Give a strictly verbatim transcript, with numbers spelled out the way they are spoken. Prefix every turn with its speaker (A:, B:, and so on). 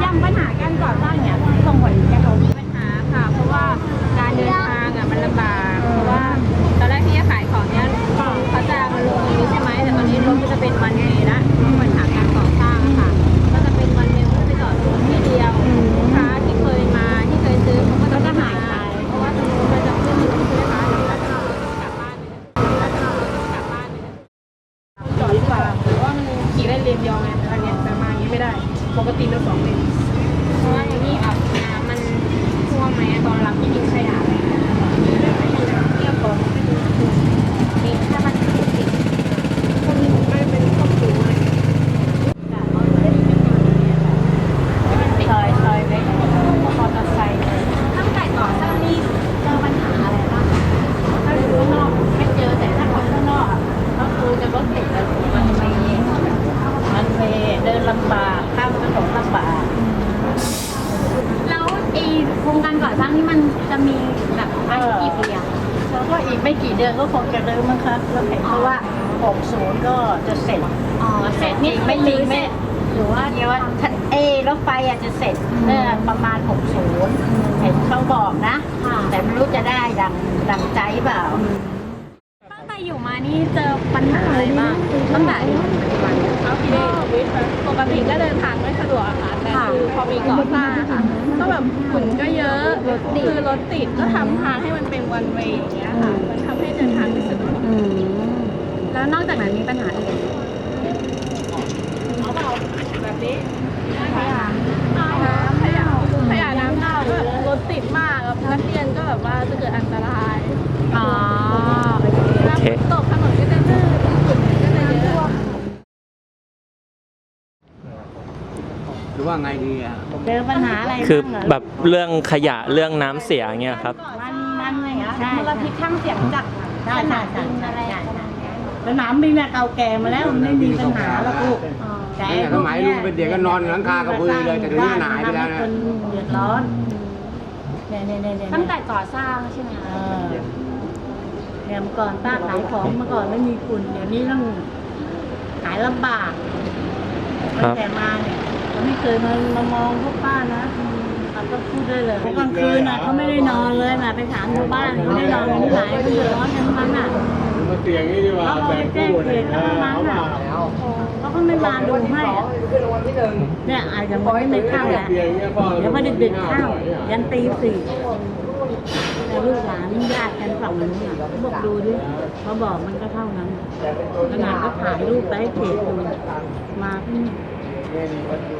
A: อย่างปัญหาการก่อสร้างเนี่ยส่งผลกระทบมีปัญหาค่ะเพราะว่าการเดินทางอ่ะมันลำบากเพราะว่าตอนแรกที่จะขายของเนี้ยเขาจะมาลงนี้ใช่ไหมแต่ตอนนี้รถก็จะเป็นวันเมล์ละปัญหาการก่อสร้างค่ะก็จะเป็นวันเมล์ก็ไปจอดรถที่เดียวลูกค้าที่เคยมาที่เคยซื้อเขาก็จะหายไปเพราะว่าตรงนู้นมันจะขึ้นอยู่ที่ลูกค้าแล้วก็กลับบ้านแล้วก็กลับบ้านจอดดีกว่าเพราะว่ามันขี่ได้เลนเดียวไงอันนี้จะมาอย่างนี้ไม่ได้ปกติเราสองเลนเพราะว่าอย่างนี้อ่ะน้ำมันท่วมไหมตอนรับที่ดินขยะอะไรเงี้ยเรียบร้อยนี่ถ้ามันติดติดคนไม่เป็นครอบครัวเลยซอยซอยเล็กมอเตอร์ไซค์ตั้งแต่ก่อนหน้านี้เจอปัญหาอะไรบ้างถ้าอยู่ข้างนอกไม่เจอแต่ถ้าคนข้างนอกก็คือจะรถติดแล้วมันไม่มันเเดินลำบากข้ามถนนลำบากแล้วไอ้โครงการก่อสร้างนี่มันจะมีแบบกี่ปีอะแล้วก็อีกไม่กี่เดือนก็คงจะเริ่มมั้งคะแล้วเห็นเพราะว่าหกสิบก็จะเสร็จอ๋อเสร็จนี่ไม่ลืมไม่หรือว่าเดี๋ยวว่าเอรถไฟอาจจะเสร็จเมื่อประมาณหกสิบเห็นเขาบอกนะแต่ไม่รู้จะได้ดังดังใจเปล่าตั้งแต่อยู่มานี่เจอปัญหาอะไรบ้างตั้งแต่อยู่เอาที่ปกติก็เดินทางไม่สะดวกค่ะแต่คือพอมีก่อสร้างค่ะก็แบบฝุ่นก็เยอะรถติดคือรถติดก็ทำทางให้มันเป็นวันเวย์อย่างเงี้ยค่ะมันทำให้เดินทางไม่สะดวกแล้วนอกจากนั้นมีปัญหาอื่นเอาเปล่าแบบนี้ขยะน้ำขยะขยะน้ำเน่าแบบรถติดมากนักเรียนก็แบบว่าจะเกิดอันตรายอ๋อโอเคตกถนนก็จะลื่นฝุ่นก็จะเยอะ
B: หรือว่าไงดีอ่ะ
A: เจอปัญหาอะไร
C: คือแบบเรื่องขยะเรื่องน้ำเสียเงี้ยครับ
A: มันมันอะไรอ่ะมลพิษทั้งเสียงจากสนามบินอะไร
D: สนามบินเก่าแก่มาแล้วไม่มีปัญหาแล้วลูก
B: แต่สมัยลุงเป็นเด็กก็นอนหลังคากระพือเลยแต่เดี๋ยวนี้หายไปแล้วนะ
D: เดือดร้อน
A: ตั้งแต่ก่อสร้างใช่ไหมคะ
D: เนี่ยเมื่อก่อนป้าขายของเมื่อก่อนไม่มีฝุ่นเดี๋ยวนี้ต้องขายลำบากตั้งแต่มาเนี่ยเขาไม่เคยมามามองพวกป้านะเขาก็พูดได้เลยกลางคืนน่ะเขาไม่ได้นอนเลยนะไปถามชาวบ้านเขาไม่ได้นอนกันที่ไหนเขาเดือดร้อนกันทั้งนั้นน่ะ
B: มาเตียงนี่ดีกว่า
D: เขาไปแจ้งเขตเขามาเขาก็ไม่มาดูให้เนี่ยอาจจะไม่ไม่เข้าแหละเดี๋ยวพอดึกๆเข้ายันตีสี่แต่ลูกหลานญาติกันฝั่งนู้นน่ะเขาบอกดูดิเขาบอกมันก็เท่านั้นขนาดก็ถ่ายรูปไปให้เขตดูมาที่นี่